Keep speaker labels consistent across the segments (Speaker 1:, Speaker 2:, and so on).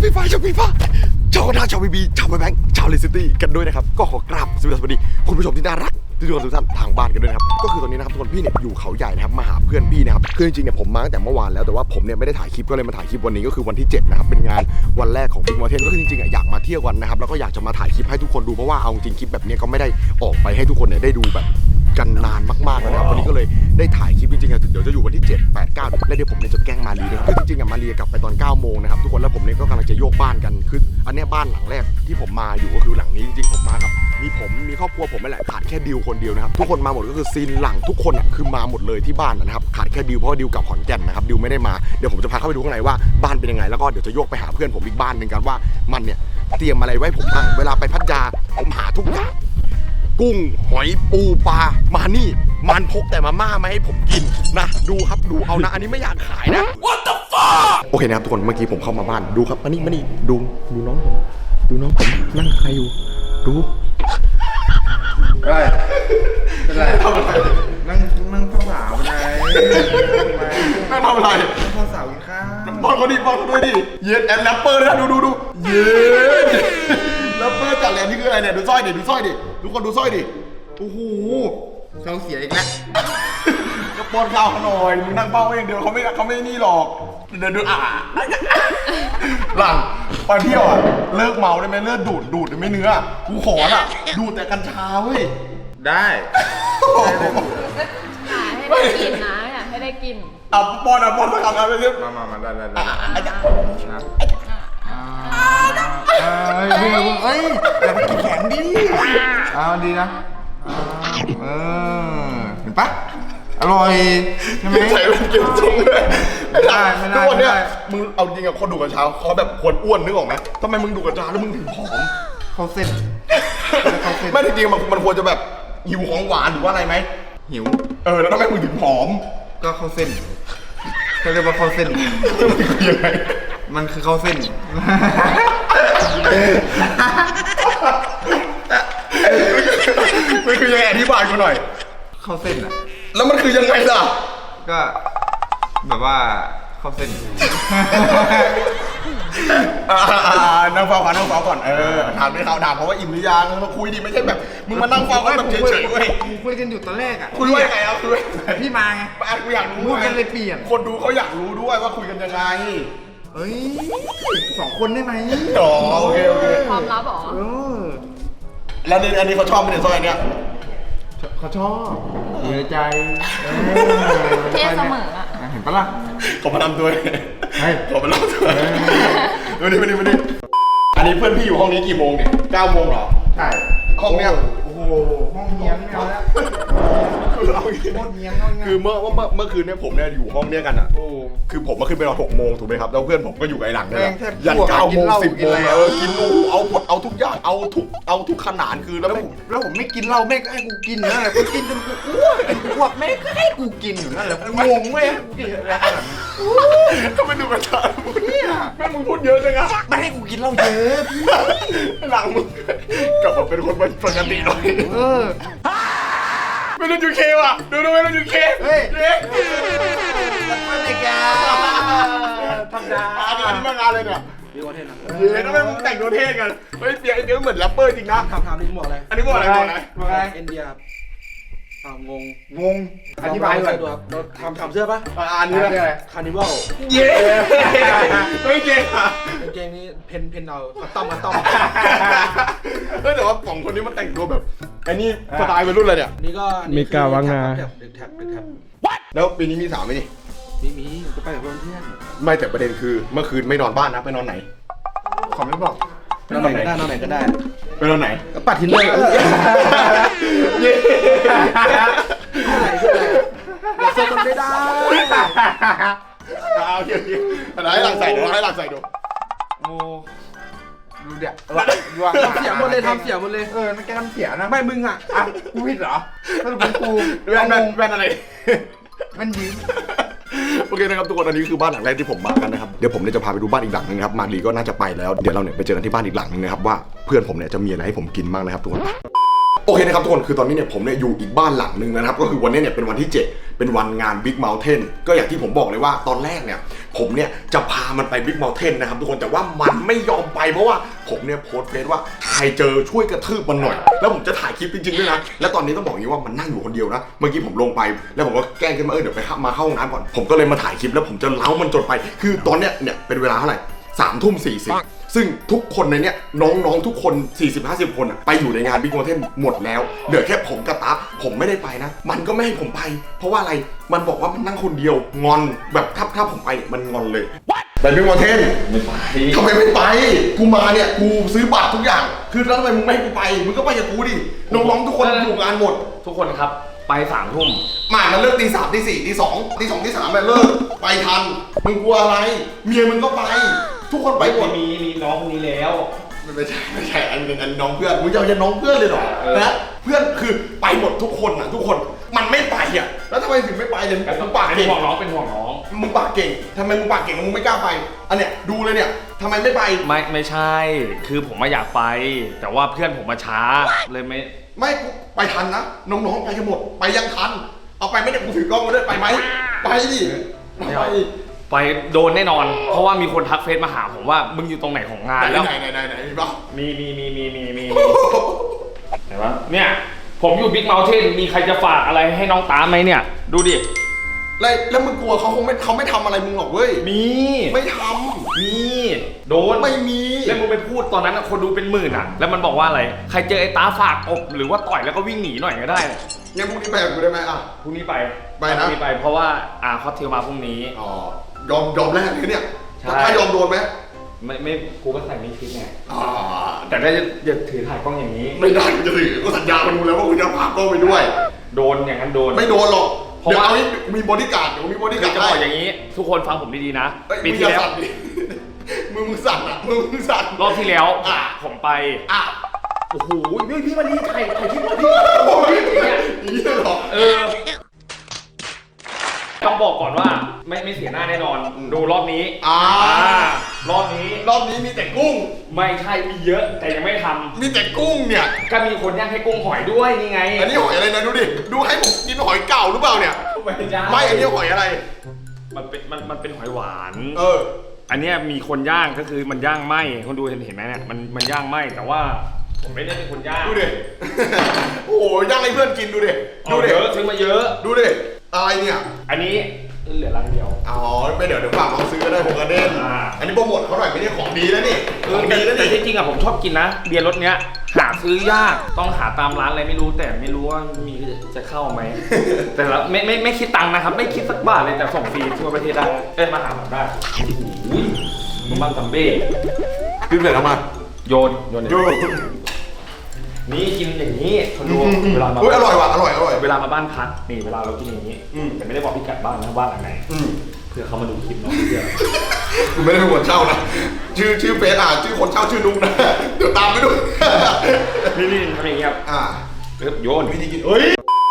Speaker 1: ฟีฟ้าชาวฟีฟ้าชาวกระดาชาวบีบีชาวแบงค์ชาวเลสซิตี้กันด้วยนะครับก็ขอกราบสวัสดีคุณผู้ชมที่น่ารักทุกท่านทางบ้านกันด้วยนะครับก็คือตอนนี้นะครับทุกคนพี่เนี่ยอยู่เขาใหญ่นะครับมาหาเพื่อนพี่นะครับคือจริงๆเนี่ยผมมาตั้งแต่เมื่อวานแล้วแต่ว่าผมเนี่ยไม่ได้ถ่ายคลิปก็เลยมาถ่ายคลิปวันนี้ก็คือวันที่7นะครับเป็นงานวันแรกของบิ๊กมอเทนก็คือจริงๆอยากมาเที่ยวกันนะครับแล้วก็อยากจะมาถ่ายคลิปให้ทุกคนดูเพราะว่าเอาจริงคลิปแบบนี้ก็ไม่ได้ออกไปให้ทุกคนเนี่ยได้ดูแบบกันนานมากๆนะครับวันนี้ก็เลยได้ถ่ายคลิปจริงๆเดี๋ยวจะอยู่วันที่7 8 9แล้วเดี๋ยวผมเนี่ยจะแกล้งมาลีนะครับคือจริงๆมาลีกลับไปตอน9 โมงนะครับทุกคนแล้วผมเนี่ยก็กำลังจะโยกบ้านกันคืออันนี้บ้านหลังแรกที่ผมมาอยู่ก็คือหลังนี้จริงๆผมมากับมีครอบครัวผมไม่แหละขาดแค่ดิวคนเดียวนะครับทุกคนมาหมดก็คือซีนหลังทุกคนอ่ะคือมาหมดเลยที่บ้านนะครับขาดแค่ดิวเพราะดิวกับขอนแก่นนะครับดิวไม่ได้มาเดี๋ยวผมจะพาเข้าไปดูข้างในว่าบ้านเป็นยังไงแล้วก็เดี๋ยวจะโยกไปหาเพื่อนผมอีกบ้านหนึ่งกันว่ามันเนี่ยเตรียมอะไรไว้ผมบ้างเวลาไปพัทยาผมหาทุกอย่างกุ้งหอยปูปลามานี่มันพกแต่มาม่ามาให้ผมกินนะดูครับดูเอานะอันนี้ไม่อยากขายนะ What the fuck โอเคนะครับทุกคนเมื่อกี้ผมเข้ามาบ้านดูครับมานี่ดูน้องผมนั่งใครอยู่ดู
Speaker 2: เป็นไรทำอะไรนั่งเฝ้าสาวไง
Speaker 1: นั่งทำอะไร
Speaker 2: เฝ้าสาวกินข้าว
Speaker 1: บอลเขาด้วยดิเย็ดแอนแรปเปอร์นะดูเย็ดแรปเปอร์จัดเลยนี่คืออะไรเนี่ยดูสร้อยดิทุกคนดูสร้อยดิโอ้โห
Speaker 2: เขาเสียอีกแล้ว
Speaker 1: ก็ป้อนข้าวเขาหน่อยมึงนั่งเฝ้าอย่างเดียวเขาไม่นี่หรอกเดินหลังไปเที่ยวอ่ะเลิกเมาได้ไหมเลิกดูดไม่เนื้อกูขออ่ะดูแต่กัญชาเว้ย
Speaker 2: ได้
Speaker 3: ให้ได้กินนะอยากให้ได้กิน
Speaker 1: ป้อนสักคำนะไปเรื่อย
Speaker 2: มาได้เฮ้ยอย่าไปกินแข็งดิเอาดีนะเห็นปะอร่อยใช่ไหม
Speaker 1: ใส่เป็นเกี๊ยวจุ้งเลย
Speaker 2: ไม่ได้
Speaker 1: ทุกคนเนี่ยมึงเอาจริงกับคนดูกัญชาเขาแบบควรอ้วนนึกออกไหมทำไมมึงดูกัญชาแล้วมึงถึงผอม
Speaker 2: เขาเส้น
Speaker 1: ไม่จริงๆมันควรจะแบบหิวของหวานหรือว่าอะไรไหม
Speaker 2: หิว
Speaker 1: แล้วทำไมมึงถึงผอม
Speaker 2: ก็เข้าเส้นเขาเรียกว่าเข้าเส้น
Speaker 1: มันคือยังไง
Speaker 2: มันคือเข้าเส้น
Speaker 1: มันคือยังไงอธิบายกูหน่อย
Speaker 2: เข้าเส้นอ่ะ
Speaker 1: แล้วมันคือยังไงล่ะ
Speaker 2: ก็แบบว่าเข้าเส้น
Speaker 1: นั่งเฝ้าก่อนถามไม่เขาถามเพราะว่าอิ่มหรือยังมาคุยดิไม่ใช่แบบมึงมานั่งเฝ้าเขาแบบเฉยๆเว้ย
Speaker 2: คุยกันอยู่ตอนแรกอ่ะ
Speaker 1: คุยว่าไงอ่ะคุย
Speaker 2: พี่มาไง
Speaker 1: กูอยากรู้
Speaker 2: พูดกันเลยเปลี่ยน
Speaker 1: คนดูเขาอยากรู้ด้วยว่าคุยกันยังไง
Speaker 2: เฮ้ย2 คนได้ไหม
Speaker 1: โอเค
Speaker 3: ความลับหรอ
Speaker 1: แล้วอันนี้เขาชอบไม่ได้ซอยเนี้ย
Speaker 2: เขาชอบอยู่ในใจ
Speaker 3: เท่เสมออ่ะ
Speaker 2: เห็นปะล่ะ
Speaker 1: ขอมาทำด้วยขอมาเล่าด้วยมาดิอันนี้เพื่อนพี่อยู่ห้องนี้กี่โมงเนี่ย9 โมงเหรอ
Speaker 2: ใช่
Speaker 1: ห้องเนี้ย
Speaker 2: โอ้โหห้องเงี้ยไม่เอาแล้ว
Speaker 1: คือเมื่อคืนเนี่ยผมเนี่ยอยู่ห้องเนี้ยกันอ่ะคือผมมาขึ้นไปนอน6 โมงถูกไหมครับแล้วเพื่อนผมก็อยู่ไอ้หลังเนี่ยยัน9 โมง 10 โมงกินเอาหมดเอาทุกอย่างเอาทุกขนาดคือ
Speaker 2: แล้วผมไม่กินเหล้าแม่ก็ให้กูกินนั่นแหละกูกินจนกูอ้วกแม่ก็ให้กูกินอยู่นั่นแหละงงเว้ย
Speaker 1: ก็ไม่ดูกระชากเนี่ยแม่มึงพูดเยอะจังอะ
Speaker 2: ไม่ให้กูกินเหล้าเยอะ
Speaker 1: หลังมึงกลับมาเป็นคนปกติหน่อยไม่รู้ยูเคว่ะดูไม่รู้ยูเค
Speaker 2: เฮ้ยไม่ได้แกทำได้
Speaker 1: อันนี้มางานเลยเนี่ย
Speaker 2: ดีกว่าเท่นะ
Speaker 1: ทำไมมึงแต่งตัวเท่กันเฮ้ยเปียกเหมือนแรปเปอร์จริงนะ
Speaker 2: ทำนี่หมวกอะไร
Speaker 1: อันนี้หมวกอะไร
Speaker 2: เอ็นเดียงง
Speaker 1: อธิบายหน่อย
Speaker 2: เราทำเสื้อปะ
Speaker 1: อันนี้อะไร
Speaker 2: คาร์นิวัล
Speaker 1: เย้ไม่เก่งอ่ะ
Speaker 2: เก่งนี้เพนเอาต้อม
Speaker 1: แต่ว่า2 คนนี้มันแต่งตัวแบบไอ้นี่สไตล์วัยรุ่นเลยเนี่ย
Speaker 2: นี่ก็
Speaker 4: มีกาวังงา
Speaker 2: เด็กแท็บ
Speaker 1: แล้วปีนี้มีสาวไหมนี่
Speaker 2: มีก็ไปกับเพื่อน
Speaker 1: ไม่แต่ประเด็นคือเมื่อคืนไม่นอนบ้านนะไปนอนไหน
Speaker 2: ขอไม่บอกนอนไหนก็ได้
Speaker 1: ไปนอนไหน
Speaker 2: ก็ปัดทิ้งเลย
Speaker 1: เย้
Speaker 2: เซ็นมันไม่ได้
Speaker 1: โอเคให้หลังใส่ดู
Speaker 2: โอ้ดูเดี๋ยวทำเสียหมดเลยมันแกทำเสียนะไม่มึงอ่ะกูผิดเหรอถ้าเป็นกู
Speaker 1: แว่นอะไร
Speaker 2: มันยืม
Speaker 1: โอเคนะครับทุกคนอันนี้คือบ้านหลังแรกที่ผมมากันนะครับเดี๋ยวผมเนี่ยจะพาไปดูบ้านอีกหลังนึงนะครับมารีก็น่าจะไปแล้วเดี๋ยวเราเนี่ยไปเจอกันที่บ้านอีกหลังนึงนะครับว่าเพื่อนผมเนี่ยจะมีอะไรให้ผมกินบ้างนะครับทุกคนโอเคนะครับทุกคนคือตอนนี้เนี่ยผมเนี่ยอยู่อีกบ้านหลังนึงนะครับก็คือวันนี้เนี่ยเป็นวันที่7 เป็นวันงาน Big Mountain ก็อย่างที่ผมบอกเลยว่าตอนแรกเนี่ยผมเนี่ยจะพามันไป Big Mountain นะครับทุกคนแต่ว่ามันไม่ยอมไปเพราะว่าผมเนี่ยโพสต์เฟซว่าใครเจอช่วยกระทืบมันหน่อยแล้วผมจะถ่ายคลิปจริงๆด้วยนะและตอนนี้ต้องบอกอย่างนี้ว่ามันนั่งอยู่คนเดียวนะเมื่อกี้ผมลงไปแล้วผมก็แกล้งขึ้นมาเดี๋ยวไปมาเข้าห้องน้ำก่อนผมก็เลยมาถ่ายคลิปแล้วผมจะเล้ามันจนไปคือตอนเนี้ยเป็นเวลาเท่าไหร่3:40ซึ่งทุกคนในเนี้ยน้องๆทุกคน 40-50 คนไปอยู่ในงาน Big Mountain หมดแล้วเหลือแค่ผมกับตั๊บผมไม่ได้ไปนะมันก็ไม่ให้ผมไปเพราะว่าอะไรมันบอกว่ามันนั่งคนเดียวงอนแบบถ้าผมไปมันงอนเลยไป Big Mountain
Speaker 2: ไม่ไป
Speaker 1: ทำไมไม่ไปกูมาเนี่ยกูซื้อบัตรทุกอย่างคือแล้วทำไมมึงไม่ให้กูไปมึงก็ไปกับกูดิน้องๆทุกคนอยู่งานหมด
Speaker 2: ทุกคนครับไป3 ทุ่ม
Speaker 1: มันเลิกตี 3 ตี 4 ตี 2 ตี 2 ตี 3เลิกไปทันมึงกลัวอะไรเมียมึงก็ไปทุกคนไปหมด
Speaker 2: มีน้องคนนี้แล้ว
Speaker 1: ไม่ใช่อันน้องเพื่อนมึงจะเอาน้องเพื่อนเลยเหรอนะเพื่อนคือไปหมดทุกคนทุกคนมันไม่ไปแล้วทำไมถึงไม่ไปเนี่ยมึงปาก
Speaker 2: เป็น
Speaker 1: เก่ง
Speaker 2: ห่วงน้องเป็นห่วงน้อง
Speaker 1: มึงปากเก่งทำไมมึงปากเก่งมึงไม่กล้าไปอันเนี้ยดูเลยเนี่ยทำไมไม่ไป
Speaker 2: ไม่ใช่ คือผมอยากไป แต่ว่าเพื่อนผมมาช้าเลยไม่
Speaker 1: กูไปทันนะน้องๆไปกันหมดไปยังทันเอาไปไม่ได้กูถือกล้องมาด้วยไปไหมไปดิ
Speaker 2: ไปโดนแน่นอน เพราะว่ามีคนทักเฟซมาหาผมว่ามึงอยู่ตรงไหนของงานแล้ว
Speaker 1: ไหนมีปะ
Speaker 2: มีไหนวะเนี่ยผมอยู่บิ๊กเมลเทนมีใครจะฝากอะไรให้น้องตามไหมเนี่ยดูดิ
Speaker 1: แล้วมึงกลัวเขาไม่ทำอะไรมึงหรอกเว้ย
Speaker 2: มี
Speaker 1: ไม่ท
Speaker 2: ำมีโดน
Speaker 1: ไม่มี
Speaker 2: แล้วมึงไปพูดตอนนั้นคนดูเป็นหมื่นแล้วมันบอกว่าอะไรใครเจอไอ้ตาฝากอบหรือว่าต่อยแล้วก็วิ่งหนีหน่อยก็ได้
Speaker 1: งั้นพรุ่งนี้ไปกับกูได้ไหม
Speaker 2: พรุ่งนี้ไป
Speaker 1: นะ
Speaker 2: ไปเพราะว่าคอสเทลมาพรุ่งนี้
Speaker 1: ยอมแรกเลยเนี่ยถ้ายอมโดนไหม
Speaker 2: ไม่กูก็ใส่ไม่คิดไงแต่ก็จะถือถ่ายกล้องอย่างนี้
Speaker 1: ไม่ได้จะถือก็สัญญากันดูแล้วว่าคุณจะพากล้องไปด้วย
Speaker 2: โดนอย่างนั้นโดน
Speaker 1: ไม่โดนหรอกเดี๋ยวเอามีบอดี้การ์ดมีบอดี้การ์ด
Speaker 2: จะบอกอย่างนี้ทุกคนฟังผมดีๆนะปีที่แล้ว
Speaker 1: มึงสั่นมึงสั่น
Speaker 2: รอบที่แล้วผมไปโอ้โหพี่มาดีถ่ายคลิปพี่
Speaker 1: นี่หรอ
Speaker 2: ต้องบอกก่อนว่าไม่เสียหน้าแน่นอนดูรอบนี้รอบนี้
Speaker 1: มีแต่กุ้ง
Speaker 2: ไม่ใช่มีเยอะแต่ยังไม่ทำ
Speaker 1: มีแต่กุ้งเนี่ย
Speaker 2: ก็มีคนย่างให้กุ้งหอยด้วยนี่ไง
Speaker 1: อันนี้หอยอะไรนะดูดิดูให้ผมกินหอยเก่าหรือเปล่าเนี่ยไม่อันนี้หอยอะไร
Speaker 2: มันเป็นหอยหวาน
Speaker 1: อั
Speaker 2: นนี้มีคนย่างก็คือมันย่างไหมคนดูเห็นไหมเนี่ยมันย่างไหมแต่ว่าผมไม่ได้เป็นคนย่าง
Speaker 1: ดูดิโอ้โหย่างให้เพื่อนกินดูดิ
Speaker 2: เยอะซื้อมาเยอะ
Speaker 1: ดูดิอะไรเนี่ย
Speaker 2: อันนี้เหลือรังเดียว
Speaker 1: ไม่เดี๋ยวฝากน้องซื้อก็ได้ผมกระเด็นอันนี้โปรโมทเขาหน่อยไม่ได้ของดีแล้วนี่ของดีแล้วนี่
Speaker 2: แต่ที่จริงผมชอบกินนะเบียร์รสเนี้ยหาซื้อยากต้องหาตามร้านอะไรไม่รู้แต่ไม่รู้ว่ามีจะเข้าไหมแต่ละไม่คิดตังค์นะครับไม่คิดสักบาทเลยแต่ส่งฟรีทั่วประเทศได้มาหาผมได้มึงบ้างซัมเบ้
Speaker 1: ขึ้นเลยแล้วมา
Speaker 2: โยนนี่กินอย่างนี้คนดูเวลามา
Speaker 1: อร่อยว่ะอร่อย
Speaker 2: เวลามาบ้านพักนี่เวลาเรากินอย่างนี้แต่ไม่ได้บอกพิกัดบ้านนะบ้านหลังไหนเพื่อเขามาดูคลิปน้องเพื่อ
Speaker 1: กูไม่ได้เป็นคนเช่านะชื่อเฟซชื่อคนเช่าชื่อนุ๊กนะเดี๋ยวตามไปดู
Speaker 2: นี่ทำอย่างนี้ครับโยน
Speaker 1: วิธีกินเฮ้ย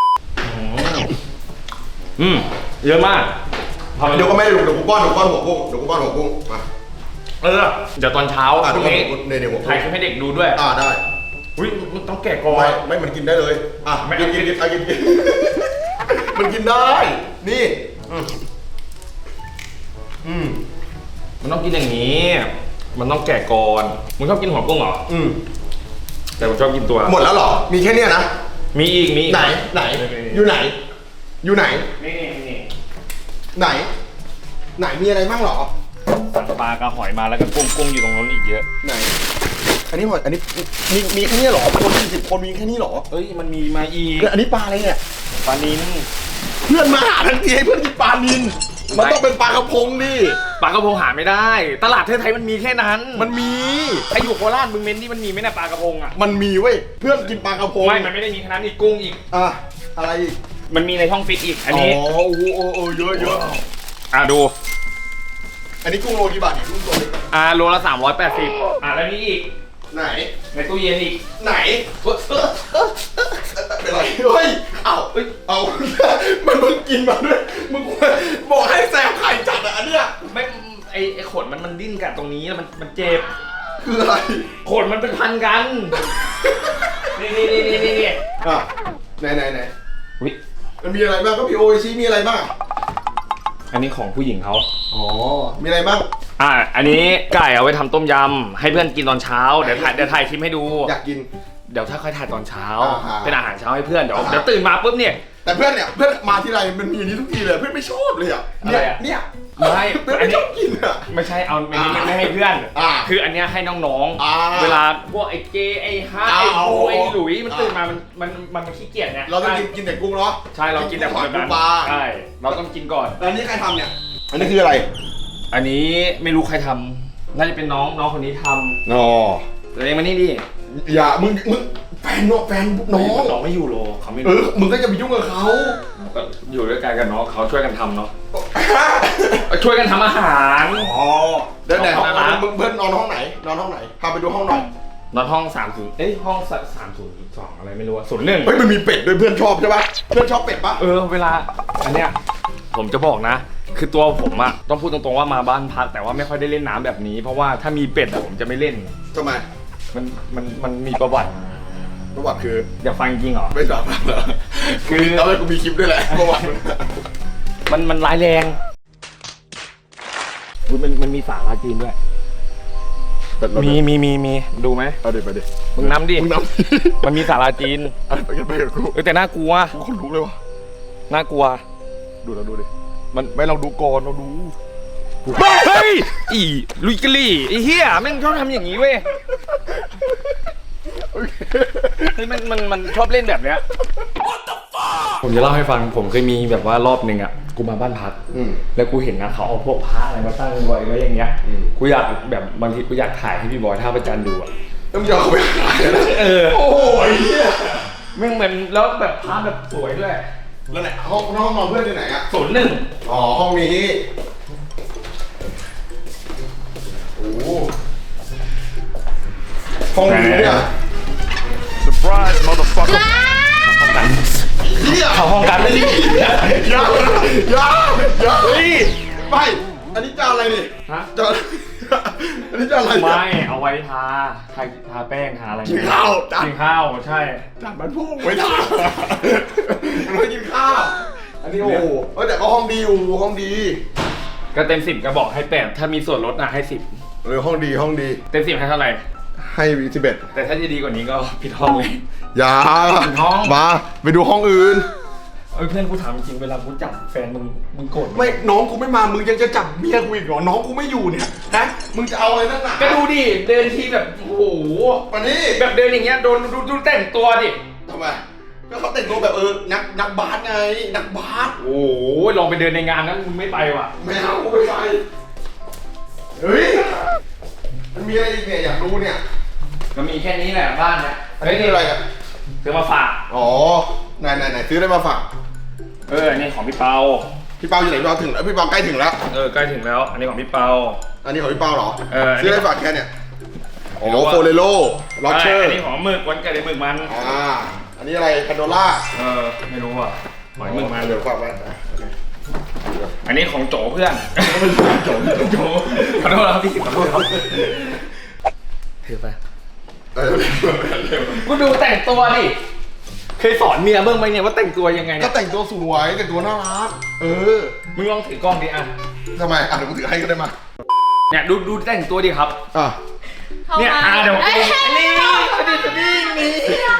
Speaker 2: เยอะมาก
Speaker 1: เดี๋ยวก็ไม่ได้ดูเดี๋ยวกูป้อนหัวกุ้งมา
Speaker 2: เดี๋ยวตอนเช้าพรุ่งนี้ถ่ายคลิปให้เด็กดูด้วย
Speaker 1: ได้
Speaker 2: มันต้องแกะก่อน
Speaker 1: ไม่มันกินได้เลยกินมันกินได้นี่
Speaker 2: มันต้องกินอย่างนี้มันต้องแกะก่อนมึงชอบกินหัวกุ้งเหรอแต่ผมชอบกินตัว
Speaker 1: หมดแล้วเหรอมีแค่นี้นะ
Speaker 2: มีอีก
Speaker 1: ไหนอยู่ไหนนี่ไหนมีอะไรบ้างเหรอ
Speaker 2: สั่งปลากระหอยมาแล้วก็กุ้งอยู่ตรงนั้นอีกเยอะ
Speaker 1: ไหนอันนี้หอยอันนี้มีแค่นี้เหรอคน40 คนมีแค่นี้เหรอ
Speaker 2: มันมีมาอีก
Speaker 1: อันนี้ปลาอะไรเนี่ย
Speaker 2: ปลานิล
Speaker 1: เพื่อนมาหาทันทีให้เพื่อนกินปลานิลมันต้องเป็นปลากระพงดิ
Speaker 2: ปลากระพงหาไม่ได้ตลาดไทยมันมีแค่นั้น
Speaker 1: มันมี
Speaker 2: ไอ้อยู่โคราชมึงเม้นที่มันมีไหมเนี่ยปลากระพง
Speaker 1: มันมีเว้ยเพื่อนกินปลากระพง
Speaker 2: มันไม่ได้มีแค่นั้นอีกกุ้งอีก
Speaker 1: อะไรอีก
Speaker 2: มันมีในช่องฟิตอีกอันนี้
Speaker 1: โอ้เยอะ
Speaker 2: ดู
Speaker 1: อันนี้กุ้งโลกี่บาทเนี่ยกุ้งโล
Speaker 2: โลละ380แล้วนี่อีก
Speaker 1: ไหน
Speaker 2: ในตู้เย็นอีก
Speaker 1: ไหนเป็นไรเฮ้ยเอามันมึงกินมาด้วยมึงบอกให้แซมไข่จัดอันเนี้ย
Speaker 2: ไม่ไอขนมันดิ้นกันตรงนี้แล้วมันเจ็บ
Speaker 1: คืออะไร
Speaker 2: ขนมันเป็นพันกันนี่ไหน
Speaker 1: วิมันมีอะไรบ้างก็พี่โอชิมีอะไรบ้าง
Speaker 2: อันนี้ของผู้หญิงเขา
Speaker 1: อ๋อมีอะไรบ้าง
Speaker 2: อันนี้ไก่เอาไว้ทำต้มยำให้เพื่อนกินตอนเช้าเดี๋ยวถ่ายคลิปให้ดู
Speaker 1: อยากกิน
Speaker 2: เดี๋ยวถ้าค่อยถ่ายตอนเช้า
Speaker 1: อ่า
Speaker 2: เป็นอาหารเช้าให้เพื่อนเดี๋ยวตื่นมาปุ๊บเนี่ย
Speaker 1: แต่เพื่อนเนี่ยเพื่อนมาทีไรมันมีอันนี้ทุกทีเลยเพื่อนไม่ชอบเลยอ่ะ
Speaker 2: อะไรอะ
Speaker 1: เนี่ย
Speaker 2: ไม่
Speaker 1: เพื่อน
Speaker 2: อัน
Speaker 1: ไม่
Speaker 2: นี้
Speaker 1: ชอบกินอ่ะ
Speaker 2: ไม่ใช่เอาไม่ให้เพื่อน คืออันเนี้ยให้น้อง
Speaker 1: อ่า
Speaker 2: ๆเวลาพวกไอ้เจไอ้ฮาร์ดไอ้
Speaker 1: เอา
Speaker 2: บูไอ้หลุยมันตื่นมามันขี้เกียจไง
Speaker 1: เราต้องกินแต่กุ้งเนาะ
Speaker 2: ใช่เรากินแต่ของแบบนั้น
Speaker 1: ปลา
Speaker 2: ใช่เราต้องกินก่อน
Speaker 1: แล้วนี่ใครทำเนี่ยอันนี้คืออะไร
Speaker 2: อันนี้ไม่รู้ใครทำน่าจะเป็นน้องคนนี้ท
Speaker 1: อ๋อ
Speaker 2: ำตัวเองมานี่ดิ
Speaker 1: อย่ามึงแฟนเนาะแฟนน้อง
Speaker 2: น้องไม่อยู่โลเขาไม่
Speaker 1: เอ
Speaker 2: รู้
Speaker 1: อมึงก็จะไปยุ่งกับเขา
Speaker 2: ก็อยู่ด้วยกันกับน้องเขาช่วยกันทำเนาะช่วยกันทำอาหาร
Speaker 1: อ๋อเดี๋ยวไหน
Speaker 2: ของร้าน
Speaker 1: มึงเพื่อนนอนห้องไหนนอนห้องไหนพาไปดูห้องหน่อย
Speaker 2: นอนห้อง30ห้อง302อะไรไม่รู้อะ01
Speaker 1: เฮ้ยมันมีเป็ดด้วยเพื่อนชอบใช่ปะเพื่อนชอบเป็ดปะ
Speaker 2: เวลาอันเนี้ยผมจะบอกนะ คือตัวผมอะต้องพูดตรงๆว่ามาบ้านพักแต่ว่าไม่ค่อยได้เล่นน้ำแบบนี้ เพราะว่าถ้ามีเป็ดอะผมจะไม่เล่น
Speaker 1: ทำไม
Speaker 2: มันมีประวัติ
Speaker 1: ประวัติคือ
Speaker 2: อยากฟังจริงเหรอ
Speaker 1: ไม่ทราบเหรอ
Speaker 2: คือ
Speaker 1: แล้วกูมีคลิปด้วยแหละประวัติ
Speaker 2: มันร้ายแรงอุ๊ยมันมีสาราจีนด้วย มีดูไหม
Speaker 1: เอาเดี๋ยวไปดิ
Speaker 2: มึงนำดิ
Speaker 1: มึงนำ
Speaker 2: มันมีสาราจีน
Speaker 1: ไปกันไปกับกู
Speaker 2: แต่น่ากลัว
Speaker 1: กูคนลุกเลยวะ
Speaker 2: น่ากลัว
Speaker 1: ดูเราดูดิมันไม่เราดูก่อนเราดู
Speaker 2: เฮ้ยอีลุยกะลี่ไอ้เหี้ยแม่งชอบทำอย่างนี้เว้ยเฮ้ยมันชอบเล่นแบบเนี้ยผมจะเล่าให้ฟังผมเคยมีแบบว่ารอบหนึ่งอ่ะกูมาบ้านพักแล้วกูเห็นนะเขาเอาพวกพระอะไรมาตั้งไว้อย่างเงี้ยกูอยากแบบบางทีกูอยากถ่ายให้พี่บอยท่าประจันดูอ่ะ
Speaker 1: ต้องยอมเขาไปขายนะ โอ้ยเนี่ย
Speaker 2: แม่งเหมือนแล้วแบบพระแบบสวยด้วย
Speaker 1: แล้วไหนห้องนอนเพื่อนที่ไหนอะ
Speaker 2: 01
Speaker 1: อ๋อห้องนี้โอ้ห้องนี้เนี่ย
Speaker 4: Surprise, motherfucker.
Speaker 2: เข้าห้องกันไม่ดี
Speaker 1: อย่าเฮ้ยไม่อันนี้จานอะไรนี่
Speaker 2: ฮะ
Speaker 1: จานอันนี้จานอะไรเนี่ย
Speaker 2: ไม่เอาไว้ทาแป้งทาอะไร
Speaker 1: กินข้าวจาน
Speaker 2: กินข้าวใช่
Speaker 1: จานมันพุ่งไว้ทานไม่กินข้าวอันนี้โอ้โหแต่ก็ห้องดีอยู่ห้องดี
Speaker 2: ก็เต็ม10ก็บอกให้8ถ้ามีส่วนลดนะให้10
Speaker 1: ห้องดีห้องดี
Speaker 2: เต็ม10ให้เท่าไหร่
Speaker 1: ให้11
Speaker 2: แต่ถ้าจะดีกว่านี้ก็ผิดห้องเลย
Speaker 1: อย่า
Speaker 2: ห้อง
Speaker 1: มาไปดูห้องอื่น
Speaker 2: เพื่อนกูถามจริงเวลากูจับแฟนมึงโกรธไหม
Speaker 1: ไม่น้องกูไม่มามึงยังจะจับเมียกูอีกเหรอน้องกูไม่อยู่เนี่ยฮะมึงจะเอาอะไรนักหนา
Speaker 2: ก็ดูดิเดินทีแบบโอ้โห
Speaker 1: มานี่
Speaker 2: แบบเดินอย่างเงี้ยดูแต่งตัวดิ
Speaker 1: ทำไมก็เขาแต่งตัวแบบนักบาสไงนักบาส
Speaker 2: โอ้โหลองไปเดินในงานนั้นมึงไม่ไปว่ะ
Speaker 1: ไม่เอากูไม่ไปเฮ้ยมันมีอะไรอีกเนี่ยอยากรู้เนี่ย
Speaker 2: ก็มีแค่นี้แหละบ้านเนี่ย
Speaker 1: อันนี้คืออะไรอ่ะ
Speaker 2: ซื้อมาฝาก
Speaker 1: อ๋อไหนซื้อได้มาฝาก
Speaker 2: อันนี้ของพี่เปา
Speaker 1: พี่เปาอยู่ไหนพี่เปาถึงแล้วพี่เปาใกล้ถึงแล้ว
Speaker 2: ใกล้ถึงแล้ว อันนี้ของพี่เปา
Speaker 1: อันนี้ของพี่เปาเหรอ
Speaker 2: อันนี้
Speaker 1: ซื้อได้ฝากแค่เนี่ยอ๋อ
Speaker 2: ไม่รู้ว่า
Speaker 1: โฟเรโลล็อเชอร์
Speaker 2: อันนี้ของหมึกวันเกิดไอ้หมึกมัน
Speaker 1: อันนี้อะไรคาโดล่า
Speaker 2: ไม่รู้อ่ะหอยหมึกมัน
Speaker 1: เดี๋ยวฝากไว้
Speaker 2: อันนี้ของโจเพื่อนโจขอโทษครับพี่ขอโทษครับถือไปกูดูแต่งตัวดิเคยสอนเมียเบิ้งไหมเนี่ยว่าแต่งตัวยังไง
Speaker 1: ก็
Speaker 2: เนี่ย
Speaker 1: แต่งตัวสวยแต่งตัวน่ารัก
Speaker 2: มึงลองถือกล้องดิอ่ะ
Speaker 1: ทำไมเดี๋ยวกูถือให้ก็ได้มา
Speaker 2: เนี่ยดูแต่งตัวดิครับ เนี่ยเดี๋ยวนี่นี่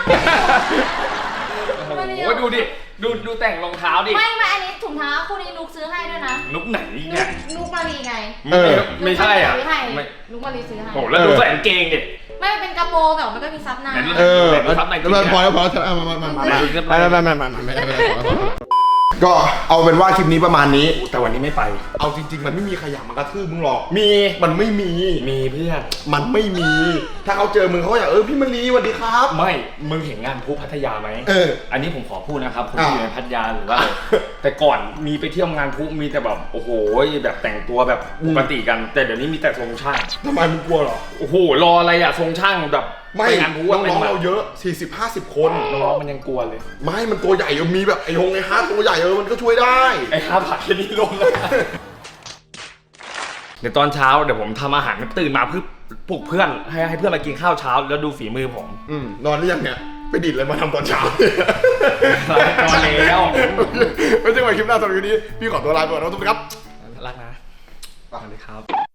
Speaker 2: โอ้ดูดิดูแต่งรองเท้าดิ
Speaker 3: ไม่อันนี้ถุงเท้าคู่นี้นุกซื้อให้ด้วยนะ
Speaker 2: นุกไหนเนี่ย
Speaker 3: นุกมารีไง
Speaker 2: ไม่ใช่อ่ะ
Speaker 3: นุกมารีซื้อให้
Speaker 2: โอ้แล้วดูใส่กางเกงดิ
Speaker 3: ไม่เป็นกระโปรงแต่มันก็มีซับหน้า
Speaker 2: ซับใน
Speaker 1: พอแล้วมาก็เอาเป็นว่าคลิปนี้ประมาณนี้
Speaker 2: แต่วันนี้ไม่ไป
Speaker 1: เอาจริงๆมันไม่มีใครอยากมากระทืบมึงหรอก
Speaker 2: มันไม่มี
Speaker 1: มี
Speaker 2: เพื่อน
Speaker 1: มันไม่มี ถ้าเขาเจอมึงเขาก็อยากพี่มะลีสวัสดีครับ
Speaker 2: ไม่มึงเห็นงานพูพัทยาไหมอันนี้ผมขอพูดนะครับผมอยู่ในพัทยาหรือว่าแต่ก่อนมีไปเที่ยวงานพูมีแต่แบบโอ้โหแบบแต่งตัวแบบปกติกันแต่เดี๋ยวนี้มีแต่ทรงช่าง
Speaker 1: ทำไมมึงกลัวหรอ
Speaker 2: โอ้โหรออะไรอะทรงช่างแบบ
Speaker 1: ไม่
Speaker 2: งานพู
Speaker 1: น้องๆเราเยอะ 40-50 คน
Speaker 2: น้องๆมันยังกลัวเลย
Speaker 1: ไม่มันตัวใหญ่มีแบบไอ้ฮงไอ้ฮาร์ดตัวใหญ่มันก็ช่วยได้
Speaker 2: ไอ้5 บาทแค่นี้ลงแล้วเดี๋ยวตอนเช้าเดี๋ยวผมทำอาหารตื่นมาเพื่อปลุกเพื่อนให้เพื่อนมากินข้าวเช้าแล้วดูฝีมือผม
Speaker 1: นอนหรือยังเนี่ยไปดิดอะไรมาทำตอนเช้า
Speaker 2: นอนแล้ว
Speaker 1: ไม่ใช่ว่าคลิปหน้าสำหรับวันนี้พี่ขอตัวลาไปก่อนนะทุกคนครับ
Speaker 2: รักนะสวัสดีครับ